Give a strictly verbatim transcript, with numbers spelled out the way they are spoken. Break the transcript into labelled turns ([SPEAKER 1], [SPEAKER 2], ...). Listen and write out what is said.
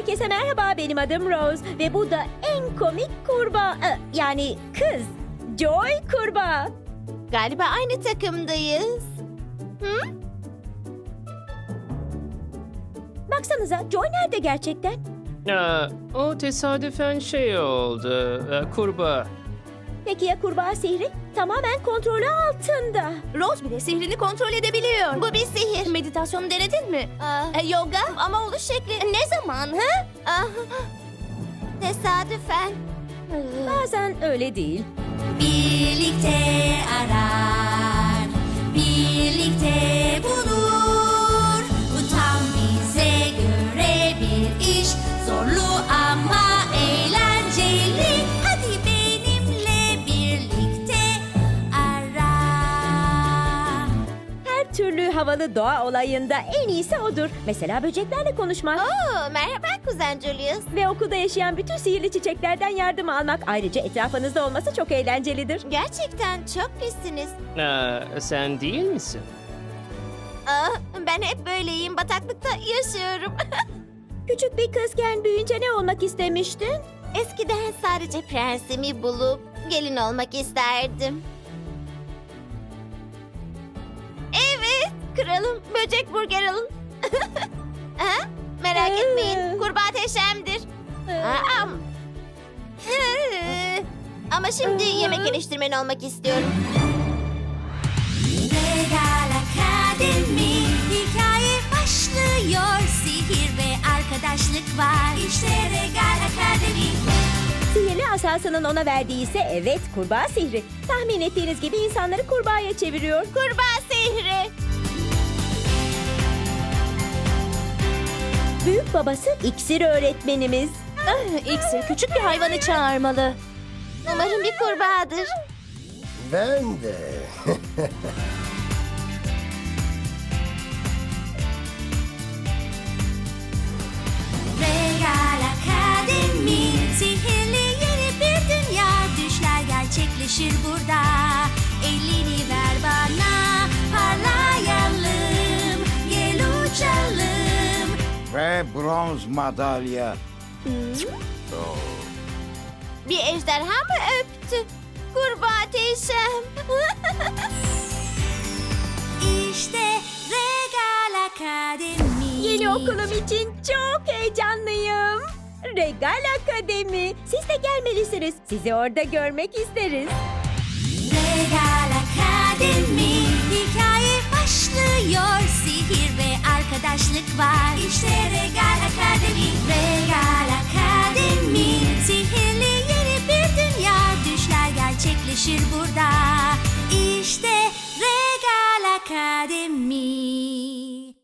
[SPEAKER 1] Herkese merhaba, benim adım Rose ve bu da en komik kurbağa, e, yani kız, Joy kurbağa.
[SPEAKER 2] Galiba aynı takımdayız. Hı?
[SPEAKER 1] Baksanıza, Joy nerede gerçekten?
[SPEAKER 3] Aa, o tesadüfen şey oldu. Ee, kurbağa.
[SPEAKER 1] Peki ya kurbağa sihri? Tamamen kontrolü altında.
[SPEAKER 2] Rose bile sihrini kontrol edebiliyor. Bu bir sihir. Meditasyonu denedin mi? E, yoga ama oluş şekli. Ne zaman? Ha? Ah, tesadüfen.
[SPEAKER 1] Bazen öyle değil.
[SPEAKER 2] Birlikte arar, birlikte bulur. Bu tam bize göre bir iş, zorlu ama eğlenceli. Hadi benimle birlikte ara.
[SPEAKER 1] Her türlü havalı doğa olayında en iyisi odur. Mesela böceklerle konuşmak.
[SPEAKER 2] Oo, merhaba kuzen Julius.
[SPEAKER 1] Ve okulda yaşayan bütün sihirli çiçeklerden yardım almak. Ayrıca etrafınızda olması çok eğlencelidir.
[SPEAKER 2] Gerçekten çok pissiniz.
[SPEAKER 3] Aa, sen değil misin?
[SPEAKER 2] Aa, ben hep böyleyim, bataklıkta yaşıyorum.
[SPEAKER 1] Küçük bir kızken büyüyünce ne olmak istemiştin?
[SPEAKER 2] Eskiden sadece prensimi bulup gelin olmak isterdim. Evet, kralım, böcek burger alın. Ha? Merak
[SPEAKER 1] Ee.
[SPEAKER 2] etmeyin, kurbağa teşemdir. Aa, Ee, Ama şimdi yemek eleştirmeni olmak istiyorum. Regal Akademi, hikaye başlıyor. Sihir ve arkadaşlık var. İşte Regal Akademi.
[SPEAKER 1] Sihirli asasının ona verdiği ise evet kurbağa sihri. Tahmin ettiğiniz gibi insanları kurbağaya çeviriyor.
[SPEAKER 2] Kurbağa sihri.
[SPEAKER 1] Büyük babası iksir öğretmenimiz.
[SPEAKER 2] İksir küçük bir hayvanı çağırmalı. Umarım bir kurbağadır.
[SPEAKER 4] Ben de.
[SPEAKER 2] Regal Akademi, sihirli yeni bir dünya. Düşler gerçekleşir burada. Elini ver bana, parlayalım, gel uçalım.
[SPEAKER 5] Ve bronz madalya.
[SPEAKER 2] Bir ejderha mı öptü? Kurbağa teşem. İşte Regal Akademi.
[SPEAKER 1] Yeni okulum için çok heyecanlıyım. Regal Akademi. Siz de gelmelisiniz. Sizi orada görmek isteriz.
[SPEAKER 2] Regal Akademi, hikaye başlıyor. Sihir ve arkadaşlık var. İşte Regal Akademi. Regal Akademi, sihirli yeni bir dünya. Düşler gerçekleşir burada. İşte